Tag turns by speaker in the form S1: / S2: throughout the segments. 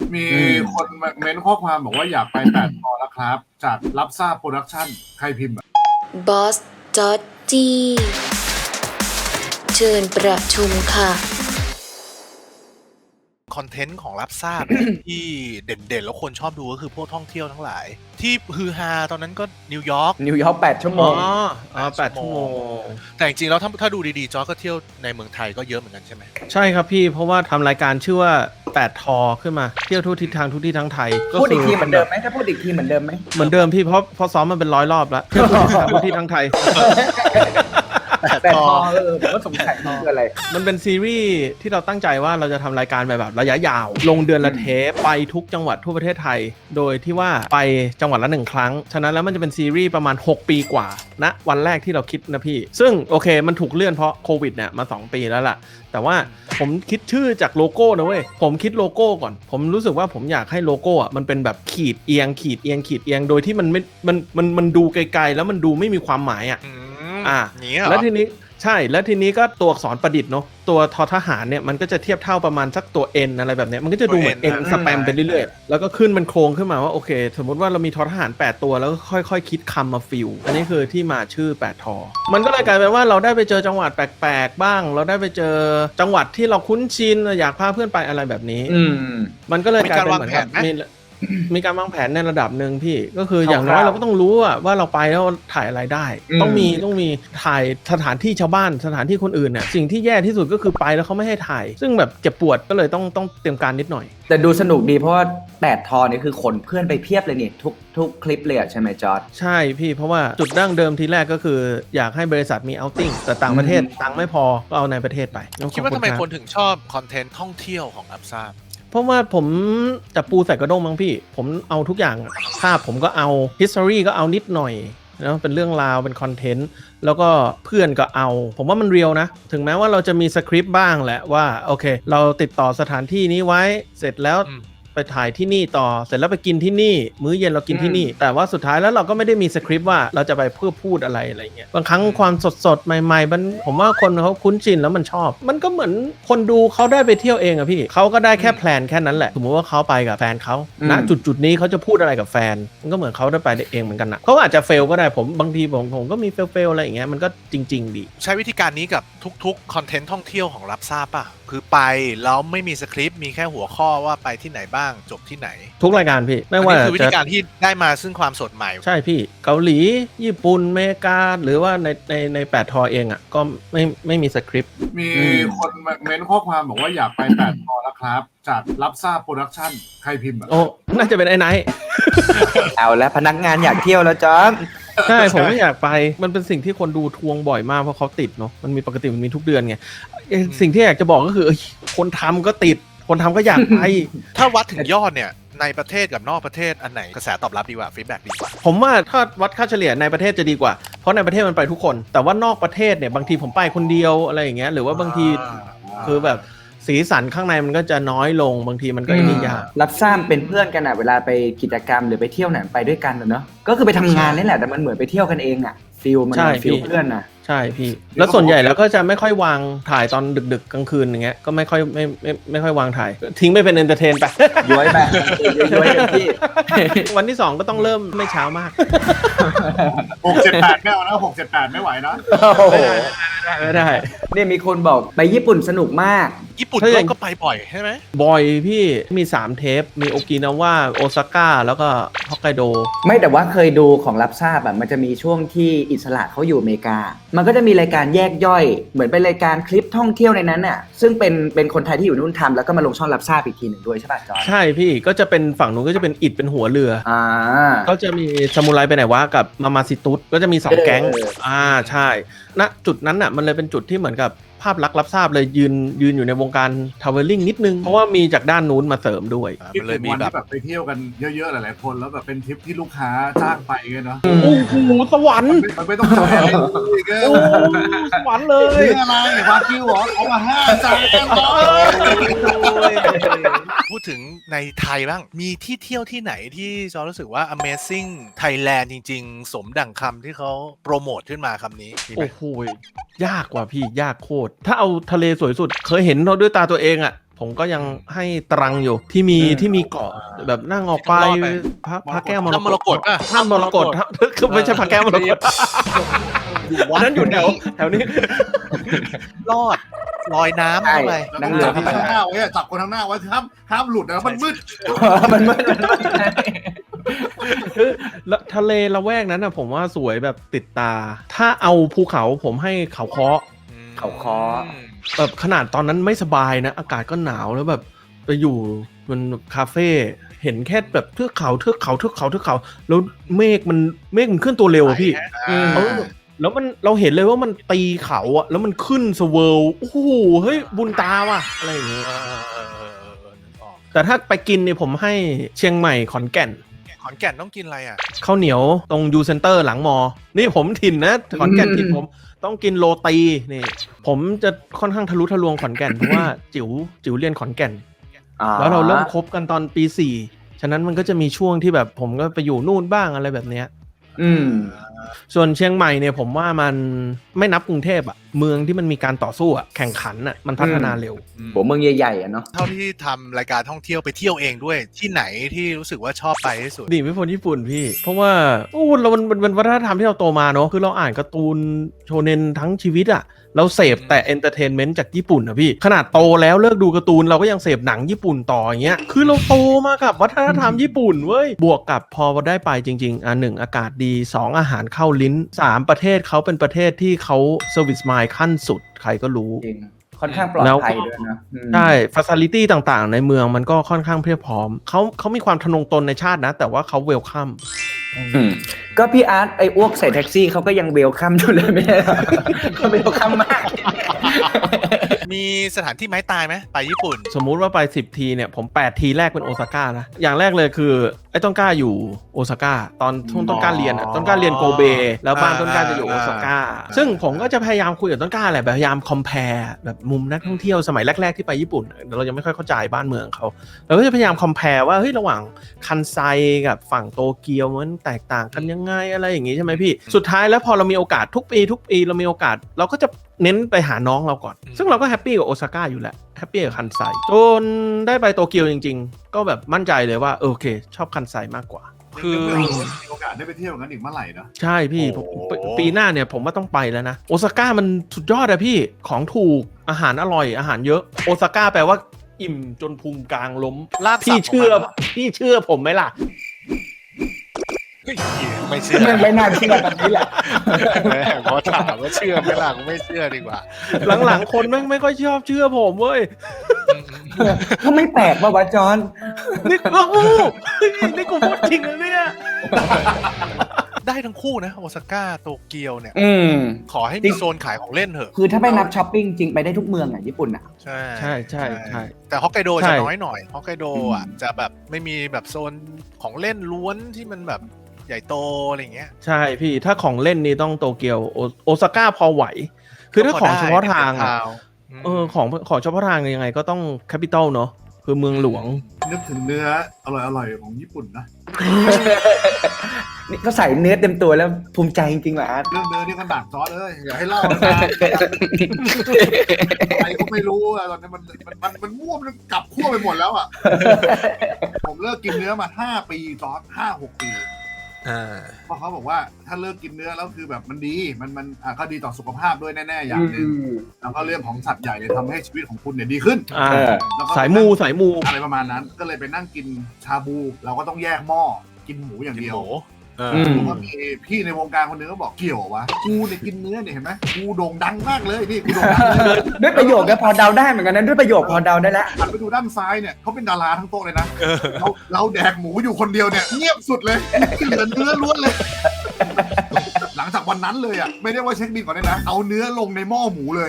S1: มีคนเม้นข้อความบอกว่าอยากไปแปดพอแล้วครับจากรับทราบโปรดักชั่นใครพิมพ์
S2: บอสจอดจี้เชิญประชุมค่ะ
S3: คอนเทนต์ของรับทราบ ที่เด่นๆแล้วคนชอบดูก็คือพวกท่องเที่ยวทั้งหลายที่ฮือฮาตอนนั้นก็นิวยอร์ก
S4: 8 ชั่วโมง
S5: 8 ชั่วโมง
S3: แต่จริงๆแล้วถ้าดูดีๆจอร์จก็เที่ยวในเมืองไทยก็เยอะเหมือนกันใช่ไหม
S5: ใช่ครับพี่เพราะว่าทำรายการชื่อว่า8 ทอขึ้นมาเที่ยวทุกทิศทางทุกที่ทั้งไทย
S4: พูดอีกทีเหมือนเดิมไหมถ้าพูดอีกทีเหมือนเดิมไหม
S5: เหมือนเดิมพี่เพราะซ้อมมันเป็น100 รอบแล้วเที่ยวทุกที่ทั้งไทย
S4: แต่พอผมก็สงสัยคืออะไร
S5: มันเป็นซีรีส์ที่เราตั้งใจว่าเราจะทำรายการแบบระยะยาวลงเดือนละเทปไปทุกจังหวัดทั่วประเทศไทยโดยที่ว่าไปจังหวัดละ1 ครั้งฉะนั้นแล้วมันจะเป็นซีรีส์ประมาณ6 ปีกว่านะวันแรกที่เราคิดนะพี่ซึ่งโอเคมันถูกเลื่อนเพราะโควิดเนี่ยมา2 ปีแล้วล่ะแต่ว่าผมคิดชื่อจากโลโก้นะเว้ยผมคิดโลโก้ก่อนผมรู้สึกว่าผมอยากให้โลโก้มันเป็นแบบขีดเอียงขีดเอียงขีดเอียงโดยที่มันไม่มันดูไกลๆแล้วมันดูไม่มีความหมายแล้วทีนี้ใช่แล้วทีนี้ก็ตัวอักษรประดิษฐ์เนาะตัวทอทหารเนี่ยมันก็จะเทียบเท่าประมาณสักตัว N อะไรแบบเนี้ยมันก็จะดูเหมือน N สแปมไปเรื่อยๆแล้วก็ขึ้นเป็นโครงขึ้นมาว่าโอเคสมมติว่าเรามีทอทหาร8 ตัวแล้วก็ค่อยๆคิดคำมาฟิลอันนี้คือที่มาชื่อ8 ทอมันก็เลยกลายเป็นว่าเราได้ไปเจอจังหวัดแปลกๆบ้างเราได้ไปเจอจังหวัดที่เราคุ้นชินอยากพาเพื่อนไปอะไรแบบนี้มันก็เลยกลายเป็นเหมือนกับมีการวางแผนในระดับหนึ่งพี่ก็คืออย่างน้อยเราก็ต้องรู้ว่าเราไปแล้วถ่ายอะไรได้ต้องมีถ่ายสถานที่ชาวบ้านสถานที่คนอื่นเนี่ยสิ่งที่แย่ที่สุดก็คือไปแล้วเขาไม่ให้ถ่ายซึ่งแบบเจ็บปวดก็เลยต้องเตรียมการนิดหน่อย
S4: แต่ดูสนุกดีเพราะว่า8 ทอนี่คือขนเพื่อนไปเพียบเลยนี่ทุกคลิปเลยใช่ไหมจอร์จ
S5: ใช่พี่เพราะว่าจุดดั้งเดิมทีแรกก็คืออยากให้บริษัทมีเอาท์ติ้งแต่ต่างประเทศตังค์ไม่พอก็เอาในประเทศไป
S3: คิดว่าทำไมคนถึงชอบคอนเทนต์ท่องเที่ยวของรับทราบ
S5: เพราะว่าผมจะปูใส่กระด้งมั้งพี่ผมเอาทุกอย่างภาพผมก็เอา history ก็เอานิดหน่อยนะเป็นเรื่องราวเป็นคอนเทนต์แล้วก็เพื่อนก็เอาผมว่ามันเรียลนะถึงแม้ว่าเราจะมีสคริปต์บ้างแหละว่าโอเคเราติดต่อสถานที่นี้ไว้เสร็จแล้วไปถ่ายที่นี่ต่อเสร็จแล้วไปกินที่นี่มื้อเย็นเรากินที่นี่แต่ว่าสุดท้ายแล้วเราก็ไม่ได้มีสคริปต์ว่าเราจะไปเพื่อพูดอะไรเงี้ยบางครั้งความสดใหม่ๆผมว่าคนเขาคุ้นชินแล้วมันชอบมันก็เหมือนคนดูเขาได้ไปเที่ยวเองอะพี่เขาก็ได้แค่แพลนแค่นั้นแหละสมมติว่าเขาไปกับแฟนเขาณจุดนี้เขาจะพูดอะไรกับแฟนมันก็เหมือนเขาได้ไปเองเหมือนกันนะเขาอาจจะเฟลก็ได้บางทีผมก็มีเฟลอะไรอย่างเงี้ยมันก็จริงๆดี
S3: ใช้วิธีการนี้กับทุกคอนเทนต์ท่องเที่ยวของรับทราบป่ะคือไปแล้วไม่มีสคริปต์มีแค่หัวข้อว่าไปที่ไหนบ้างจบที่ไหน
S5: ทุกรายการพี่ไม่ว่า
S3: คือวิธีการที่ได้มาซึ่งความสดใหม่
S5: ใช่พี่เกาหลีญี่ปุ่นอเมริกาหรือว่าใน8 ทอเองอ่ะก็ไม่มีสคริปต์
S1: มีคนเม้นข้อความบอกว่าอยากไป8 ทอแล้วครับจากรับทราบโปรดักชั่นใครพิมพ์
S5: โอ้น่าจะเป็นไอ้ไนท์
S4: เอาแล้วพนักงานอยากเที่ยวแล้วจ๊อบ
S5: ใช่ผมไม่อยากไปมันเป็นสิ่งที่คนดูทวงบ่อยมากเพราะเขาติดเนาะมันมีปกติมันมีทุกเดือนไงสิ่งที่อยากจะบอกก็คือคนทำก็ติดคนทำก็อยากไป
S3: ถ้าวัดถึงยอดเนี่ยในประเทศกับนอกประเทศอันไหนกระแสตอบรับดีกว่าฟีดแบ็กดีกว่า
S5: ผมว่าถ้าวัดค่าเฉลี่ยในประเทศจะดีกว่าเพราะในประเทศมันไปทุกคนแต่ว่านอกประเทศเนี่ยบางทีผมไปคนเดียวอะไรอย่างเงี้ยหรือว่าบางทีคือแบบสีสันข้างในมันก็จะน้อยลงบางทีมันก็ไม่ยาก
S4: รับทราบเป็นเพื่อนกันอะเวลาไปกิจกรรมหรือไปเที่ยวไหนไปด้วยกันเนอะก็คือไปทำงานนี่แหละแต่มันเหมือนไปเที่ยวกันเองอะฟิลมันฟิลเพื่อนนะ
S5: ใช่พี่แล้วส่วนใหญ่แล้วก็จะไม่ค่อยวางถ่ายตอนดึกๆกลางคืนอย่างเงี้ยก็ไม่ค่อยวางถ่ายทิ้งไปเป็นเอนเตอร์เทนไป
S4: ย้อยไปย้อยเต็มที่
S5: วันที่2ก็ต้องเริ่มไม่เช้ามาก
S1: 6-7-8ไม่เอานะ6-7-8ไม่ไหวนะ
S5: ไม่ได้
S4: เนี่ยมีคนบอกไปญี่ปุ่นสนุกมาก
S3: ญี่ปุ่นก็ไปบ่อยใช่ไหม
S5: บ่อยพี่มี3 เทปมีโอกินาวาโอซาก้าแล้วก็ฮอกไกโด
S4: ไม่แต่ว่าเคยดูของรับทราบอะมันจะมีช่วงที่อิสระเขาอยู่อเมริกามันก็จะมีรายการแยกย่อยเหมือนเป็นรายการคลิปท่องเที่ยวในนั้นน่ะซึ่งเป็นคนไทยที่อยู่นู่นทำแล้วก็มาลงช่องรับทราบอีกทีหนึ่งด้วยใช่ป่ะจอร์จ
S5: ใช่พี่ก็จะเป็นฝั่งนู้นก็จะเป็นอิดเป็นหัวเรือก็จะมีซามูไรไปไหนวะกับมามาซิตุสก็จะมี2 แก๊งใช่ณจุดนั้นน่ะมันเลยเป็นจุดที่เหมือนกับภาพลักษณ์รับทราบเลยยืนอยู่ในวงการทราเวลลิ่งนิดนึงเพราะว่ามีจากด้านนู้นมาเสริมด้วย
S1: มันเลยมีแบบไปเที่ยวกันเยอะๆหลายๆคนแล้วแบบเป็นทริปที่ลูกค้าจ้างไปกันเนาะ
S5: โอ้โหสวรรค์
S1: มันไม่ต้องจ่ายอะไรอีก
S5: โอ้สวรรค์เลย
S1: นี่อะไรวากิวเหรอเอามา5 จาน
S3: พูดถึงในไทยบ้างมีที่เที่ยวที่ไหนที่จอรู้สึกว่า Amazing Thailand จริงๆสมดั่งคำที่เขาโปรโมทขึ้นมาคำนี้
S5: โอ้โหยากกว่าพี่ยากโคตรถ้าเอาทะเลสวยสุดเคยเห็นเราด้วยตาตัวเองอะผมก็ยังให้ตรังอยู่ที่มีเกาะแบบนั่งออกไปพระแก้วมร
S3: ถ้ำมรกตป่ะ
S5: ถ้ำมรกตคือไม่ใช่พระแก้วมรกต
S3: วัด
S5: นั้นอยู่แถวนี้
S3: รอดลอยน้ำเข้าไป
S4: นั่ง
S1: จั
S4: เรื
S1: บ
S4: อ
S1: คนข้างหน้าไว้อะจับคนข้างหน้าไว้ห้ามหลุดนะมันมืด
S4: มันมืด
S5: คือทะเลละแวกนั้นนะผมว่าสวยแบบติดตา ถ้าเอาภูเขาผมให้เขาเคาะ
S4: เขาค้อ
S5: แบบขนาดตอนนั้นไม่สบายนะ อากาศก็หนาวแล้วแบบไปอยู่มันคาเฟ่เห็นแค่แบบเทือกเขาแล้วเมฆมันเคลื่อนตัวเร็วอะพี่ แล้วเราเห็นเลยว่ามันตีเขาอะแล้วมันขึ้นสเวิลโอ้โหเฮ้ยบุญตาว่ะอะไรอย่างเงี้ยแต่ถ้าไปกินเนี่ยผมให้เชียงใหม่ขอนแก่น
S3: ขอนแก่นต้องกินอะไรอ่ะ
S5: ข้าวเหนียวตรงยูเซนเตอร์หลังมอ นี่ผมถิ่นนะขอนแก่นถิ่นผมต้องกินโรตีนี่ผมจะค่อนข้างทะลุทะลวงขอนแก่นเพราะว่าจิ๋วเรียนขอนแก่นแล้วเราเริ่มคบกันตอนปี4ฉะนั้นมันก็จะมีช่วงที่แบบผมก็ไปอยู่นู่นบ้างอะไรแบบเนี้ยส่วนเชียงใหม่เนี่ยผมว่ามันไม่นับกรุงเทพอะเมืองที่มันมีการต่อสู้อะแข่งขันอะมันพัฒนาเร็ว
S4: หัวเมืองใหญ่ๆอะเนาะ
S3: เท่าที่ทำรายการท่องเที่ยวไปเที่ยวเองด้วยที่ไหนที่รู้สึกว่าชอบไปที่สุด
S5: ดีไม่พ้นญี่ปุ่นพี่ เพราะว่ามันวัฒนธรรมที่เราโตมาเนอะคือเราอ่านการ์ตูนโชเน็นทั้งชีวิตอะเราเสพแต่เอนเตอร์เทนเมนต์จากญี่ปุ่นอะพี่ขนาดโตแล้วเลิกดูการ์ตูนเราก็ยังเสพหนังญี่ปุ่นต่ออย่างเงี้ยคือเราโตมากับวัฒนธรรมญี่ปุ่นเว้ยบวกกับพอได้ไปจริงๆ1อากาศดี2อาหารเข้าลิ้น3ประเทศเขาเป็นประเทศที่เขาเซอร์วิสมายขั้นสุดใครก็รู้
S4: จริงค่อนข้างปลอดภัยด้วยนะ
S5: ใช่ฟัซิลิตี้ต่างๆในเมืองมันก็ค่อนข้างเพียบพร้อมเขามีความทะนงตนในชาตินะแต่ว่าเขาเวลคัม
S4: ก็พี่อาร์ตไอ้อ้วกใส่แท็กซี่เขาก็ยังเวลคัมอยู่เลยไม่ใช่เหรอเขาเวลคัมมาก
S3: มีสถานที่ไม้ตายไหมไปญี่ปุ่น
S5: สมมุติว่าไป10ทีเนี่ยผม8ทีแรกเป็นโอซาก้านะอย่างแรกเลยคือไอ้ต้นกล้าอยู่โอซาก้าตอนช่วงต้นกล้าเรียนต้นกล้าเรียนโกเบแล้วบ้านต้นกล้าจะอยู่โอซาก้าซึ่งผมก็จะพยายามคุยกับต้นกล้าแหละพยายามคอมเพลแบบมุมนักท่องเที่ยวสมัยแรกๆที่ไปญี่ปุ่นเรายังไม่ค่อยเข้าใจบ้านเมืองเขาเราก็จะพยายามคอมเพลว่าเฮ้ยระหว่างคันไซกับฝั่งโตเกียวมันแตกต่างกันยังไงอะไรอย่างงี้ใช่ไหมพี่สุดท้ายแล้วพอเรามีโอกาสทุกปีเรามีโอกาสเราก็จะเน้นไปหาน้องเราก่อนซึ่งเราก็แฮปปี้กับโอซาก้าอยู่แหละแฮปปี้กับคันไซจนได้ไปโตเกียวจริงๆก็แบบมั่นใจเลยว่าโอเคชอบคันไซมากกว่าคือ
S1: มีโอกาสได้ไปเที่ยวงั้นอีกเมื่อไหร่นะ
S5: ใช่พี่ปีหน้าเนี่ยผมว่าต้องไปแล้วนะโอซาก้ามันสุดยอดอะพี่ของถูกอาหารอร่อยอาหารเยอะโอซาก้าแปลว่าอิ่มจนพุงกลางล้ม
S3: ลาบสับ
S5: พี่เชื่อผมไหมล่ะ
S3: ไม่เชื่อ
S4: ไม่น่าเชื่อแบบนี้แหละ
S3: พอถามว่าเชื่อไหมล่ะกูไม่เชื่อดีกว่า
S5: หลังๆคนแม่งไม่ค่อยชอบเชื่อผมเว้ย
S4: ก็ไม่แปลกว่าวะจอน
S5: นี่กูพูดจริงนะเนี่ย
S3: ได้ทั้งคู่นะโอซาก้าโตเกียวเนี่ยขอให้
S4: จริ
S3: มี
S4: ง
S3: โซนขายของเล่นเถอะ
S4: คือถ้าไม่นับช้อปปิ้งจริงไปได้ทุกเมืองอ่ะญี่ปุ่นอ่ะ
S3: ใช่
S5: ใช่
S3: แต่ฮอกไกโด
S5: ใช่
S3: จะน้อยหน่อยฮอกไกโดอ่ะจะแบบไม่มีแบบโซนของเล่นล้วนที่มันแบบใหญ่โตอะไรอย่างเงี้ย
S5: ใช่พี่ถ้าของเล่นนี่ต้องโตเกียวโอซาก้าพอไหว คือถ้าของเฉพาะทางอะของเฉพาะทางยังไงก็ต้องแคปิตอลเนาะคือเมืองหลวง
S1: นึกถึงเนื้ออร่อยๆของญี่ปุ่นนะ
S4: นี่ก็ใส่เนื้อเต็มตัวแล้วภูมิใจจริงๆว่ะอาร์ต
S1: เรื่องเนื้อนี่ก็หนักซอสเลยอย่าให้เล่านะใครก็ไม่รู้อะตอนนี้มันมั่วมันกลับขั้วไปหมดแล้วอ่ะ ผมเลิกกินเนื้อมา5 ปีซอส5-6 ปีเพราะเขาบอกว่าถ้าเลิกกินเนื้อแล้วคือแบบมันดีมันก็ดีต่อสุขภาพด้วยแน่ๆอย่างหนึ่งแล้วก็เรื่องของสัตว์ใหญ่เนี่ยทำให้ชีวิตของคุณเนี่ยดีขึ้น แล้วก็
S5: สายมู
S1: อะไรประมาณนั้นก็เลยไปนั่งกินชาบูเราก็ต้องแยกหม้อกินหมูอย่างเดียวแล้วก็มีพี่ในวงการคนนึงก็บอกเกี่ยววะกูเนี่ยกินเนื้อเนี่ยเห็นไหมกูโด่งดังมากเลยนี่กูโด่งดังเลย
S4: ด้วยประโยคก็พอเดาได้เหมือนกันนะด้วยประโยคพอเดาได้แล้ว
S1: หันไปดูด้านซ้ายเนี่ยเขาเป็นดาราทั้งโต๊ะเลยนะเราแดกหมูอยู่คนเดียวเนี่ยเงียบสุดเลยเหลือเนื้อล้วนเลย หลังจากวันนั้นเลยอ่ะไม่ได้ว่าเช็คบินก่อนเลยนะเอาเนื้อลงในหม้อหมูเลย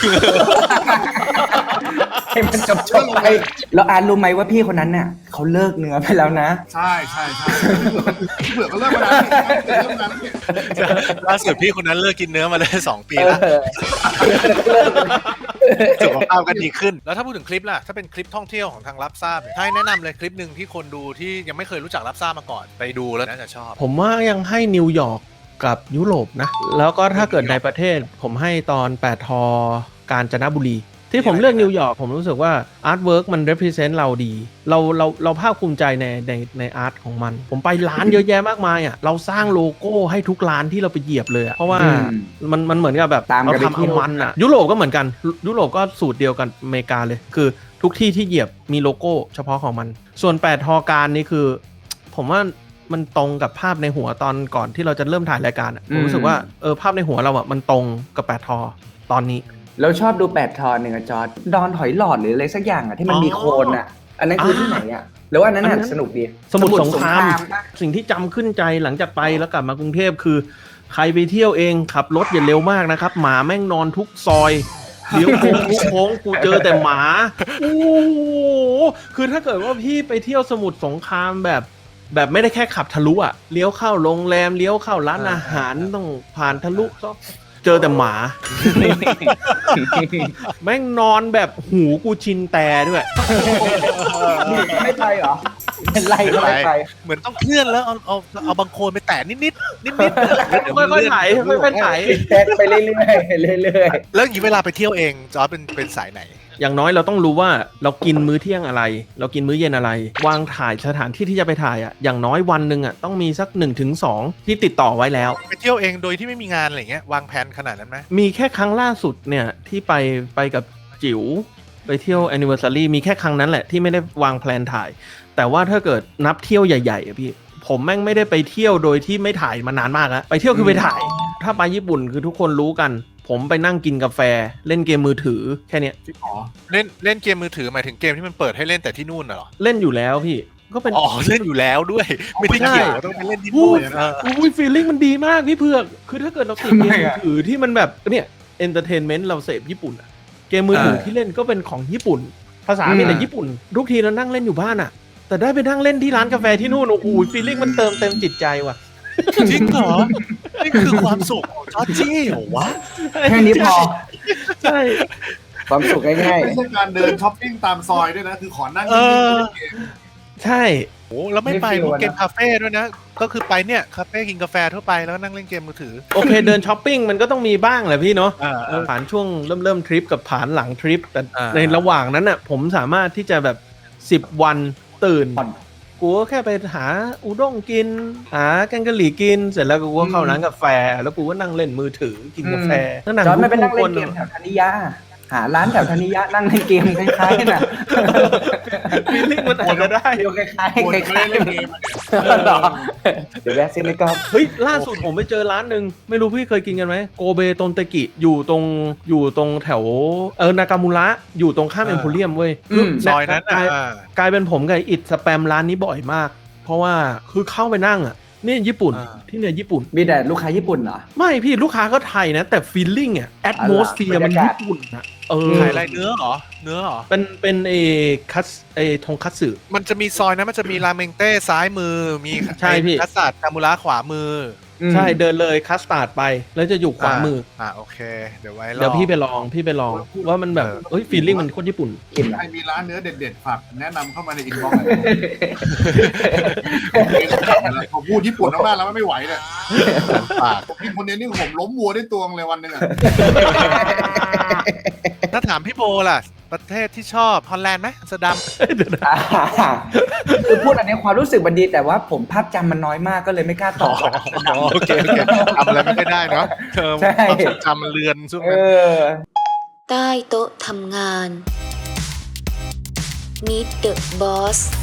S4: ให้มันจบไปแล้วอาร์ตรู้ไหมว่าพี่คนนั้นน่ะเขาเลิกเนื้อไปแล้วนะ
S1: ใช่เผื่อก็เลิกมานาน
S3: ล่าสุดพี่คนนั้นเลิกกินเนื้อมาได้2 ปีแล้วสุขภาพก็ดีขึ้นแล้วถ้าพูดถึงคลิปล่ะถ้าเป็นคลิปท่องเที่ยวของทางรับทราบให้แนะนำเลยคลิปหนึ่งที่คนดูที่ยังไม่เคยรู้จักรับทราบมาก่อนไปดูแล้วน่าจะชอบ
S5: ผมว่ายังให้นิวยอร์กกับยุโรปนะแล้วก็ถ้าเกิดในประเทศผมให้ตอน8 ทกาญจนบุรีที่ผมเลือกนิวยอร์กผมรู้สึกว่าอาร์ตเวิร์กมัน represent เราดีเราภาคภูมิใจในอาร์ตของมันผมไปร้านเยอะแยะมากมายอ่ะเราสร้างโลโก้ให้ทุกร้านที่เราไปเหยียบเลยอ่ะเพราะว่ามันเหมือนกับแบบ
S4: ตาม
S5: เรา
S4: กันไป
S5: ทำ
S4: เที่
S5: เอา
S4: ยว
S5: มันอ่ะยุโรปก็เหมือนกันยุโรปก็สูตรเดียวกันอเมริกาเลยคือทุกที่ที่เหยียบมีโลโก้เฉพาะของมันส่วน8ทอการนี่คือผมว่ามันตรงกับภาพในหัวตอนก่อนที่เราจะเริ่มถ่ายรายการผมรู้สึกว่าภาพในหัวเราอ่ะมันตรงกับ8ทอตอนนี้
S4: เราชอบดู8 ทอหนึ่งอะจอร์จดอนหอยหลอดหรืออะไรสักอย่างอะที่มันมีโคนอะอันนั้นคือที่ไหนอะหรือว่าอันนั้นสนุกดี
S5: สมุทรสงคราม
S4: ปะ
S5: สิ่งที่จำขึ้นใจหลังจากไปแล้วกลับมากรุงเทพคือใครไปเที่ยวเองขับรถอย่าเร็วมากนะครับหมาแม่งนอนทุกซอยเลี้ยวโค้งทุกโค้งกูเจอแต่หมาโอ้โหคือถ้าเกิดว่าพี่ไปเที่ยวสมุทรสงครามแบบไม่ได้แค่ขับทะลุอะเลี้ยวเข้าโรงแรมเลี้ยวเข้าร้านอาหารต้องผ่านทะลุเจอแต่หมา แม่งนอนแบบหูกูชินแต่ด้วย
S4: ไม่ไปเหรอเป็นไรก็ไม่ไป
S3: เหมือนต้องเคลื่อนแล้วเอาบางโคลนไปแตะนิด
S5: ค่อยๆไถค่อยๆไถ
S4: แทกไปเรื่อยๆเรื่อย
S3: แล้วอย่างนี้เวลาไปเที่ยวเองจอร์จเป็นสายไหน
S5: อย่างน้อยเราต้องรู้ว่าเรากินมื้อเที่ยงอะไรเรากินมื้อเย็นอะไร วางถ่ายสถานที่ที่จะไปถ่ายอ่ะอย่างน้อยวันหนึ่งอ่ะต้องมีสัก 1-2 ที่ติดต่อไว้แล้ว
S3: ไปเที่ยวเองโดยที่ไม่มีงานอะไรเงี้ยวางแผนขนาดนั้นไหม
S5: มีแค่ครั้งล่าสุดเนี่ยที่ไปกับจิ๋วไปเที่ยว anniversary มีแค่ครั้งนั้นแหละที่ไม่ได้วางแพลนถ่ายแต่ว่าถ้าเกิดนับเที่ยวใหญ่ๆอะพี่ผมแม่งไม่ได้ไปเที่ยวโดยที่ไม่ถ่ายมานานมากแล้วไปเที่ยวคือไปถ่าย ถ้าไปญี่ปุ่นคือทุกคนรู้กันผมไปนั่งกินกาแฟเล่นเกมมือถือแค่เนี้ย
S3: เล่นเกมมือถือหมายถึงเกมที่มันเปิดให้เล่นแต่ที่นู่นเหรอ
S5: เล่นอยู่แล้วพี่ก็เป็น
S3: อ๋อเล่นอยู่แล้วด้วยไม่ได้เกี่ยวต้องไปเล่นที่
S5: พู
S3: นู่
S5: ด
S3: นนะ
S5: อุ้ยฟีลลิ่งมันดีมากพี่เผือกคือถ้าเกิดเราติดเกมมือถือที่มันแบบเนี่ยเอนเตอร์เทนเมนต์เราเสพญี่ปุ่นอะเกมมือถือที่เล่นก็เป็นของญี่ปุ่นภาษาเป็นแต่ญี่ปุ่นทุกทีเรานั่งเล่นอยู่บ้านอะแต่ได้ไปนั่งเล่นที่ร้านกาแฟที่นู่นโอ้โหฟีลลิ่งมันเติมเต็มจิตใจว่ะ
S3: จริงเหรอนี่คือความสุขของจอร์จี้เหรอวะ
S4: แค่นี้พอ
S5: ใช่
S4: ความสุขง่าย
S1: ไม่ใช่การเดินช้อปปิ้งตามซอยด้วยนะคือขอนั่งนิ่งๆเล่นเกม
S5: ใช่
S3: โอ้แล้วไม่ไปพวกเกมคาเฟ่ด้วยนะก็คือไปเนี่ยคาเฟ่กินกาแฟทั่วไปแล้วนั่งเล่นเกมมือถือ
S5: โอเคเดินช้อปปิ้งมันก็ต้องมีบ้างแหละพี่เนาะ
S3: อ่า
S5: ผ่านช่วงเริ่มทริปกับผ่านหลังทริปแต่
S3: อ่า
S5: ในระหว่างนั้นน่ะผมสามารถที่จะแบบ10 วันตื่นกูก็แค่ไปหาอุด้งกินหาแกงกะหรี่กินเสร็จแล้วกูก็เข้าร้านกาแฟแล้วกูก็นั่งเล่นมือถือกินกาแฟนั่ง
S4: ๆจอร์จไม่ไปนั่งเล่น
S5: น
S4: เกมแถวธนิยาหาร้านแถวธนิยะนั่งเล่นเกมคล้ายๆน่ะ
S5: ฟีลลิ่งมันอาจจะได้
S4: เดียวคล้าย
S1: ปวด
S4: ๆค
S1: ไม่
S4: ล้า
S1: ได้
S4: ย
S1: เล่นเกมอะ
S4: ๆหรอเดี๋ยวแวะซื้อในกรอบ
S5: เฮ้ยล่าสุดผมไปเจอร้านหนึ่งไม่รู้พี่เคยกินกันไหมโกเบตนเตกิอยู่ตรงแถวนากามูระอยู่ตรงข้ามเอ็มโพเรียมเว้ย
S3: ซอยนั้น
S5: กลายเป็นผมกับอิดสแปมร้านนี้บ่อยมาก เพราะว่าคือเข้าไปนั่งอ่ะนี่ญี่ปุ่นที่เนี่ยญี่ปุ่น
S4: มีแต่ลูกค้าญี่ปุ่นเหรอ
S5: ไม่พี่ลูกค้าก็ไทยนะแต่ฟีลลิ่งอ่ะแอดโมสเฟียร์มันญี่ปุ่นนะ
S3: ขายอะไรเนื้อเหรอ
S5: เป็นคัสทงคัตสึ
S3: มันจะมีซอยนะมันจะมีราเมงเต้ซ้ายมือมี
S5: ใช่พี่
S3: คัสตาร์ดคามูระขวามือ
S5: ใช่เดินเลยคัสตาร์ดไปแล้วจะอยู่ขวามือ
S3: โอเคเดี๋ยวไว้รอ
S5: เดี๋ยวพี่ไปลองว่ามันแบบฟีลลิ่งมันโคตรญี่ปุ่น
S4: กิน
S1: ใครมีร้านเนื้อเด็ดๆฝากแนะนำเข้ามาในอินบ็อกซ์ผมพูดญี่ปุ่นมากๆแล้วไม่ไหวเลย
S3: ปาก
S1: ผมกินคนเดียวนี่ผมล้มวัวได้ตัวเลยวันหนึ่งอะ
S3: ถ้าถามพี่โบล่ะประเทศที่ชอบฮอลแลนด์ไหมอัมสเตอร์ดัม
S4: คือพูดอันนี้ความรู้สึกมันดีแต่ว่าผมภาพจำมันน้อยมากก็เลยไม่กล้าตอบ
S3: โอเคทำอะไรไม่ได้เนาะ
S4: ใช่
S3: ความทรงจำมันเลือนช่วงนั้น
S2: ใต้โต๊ะทำงาน Meet the Boss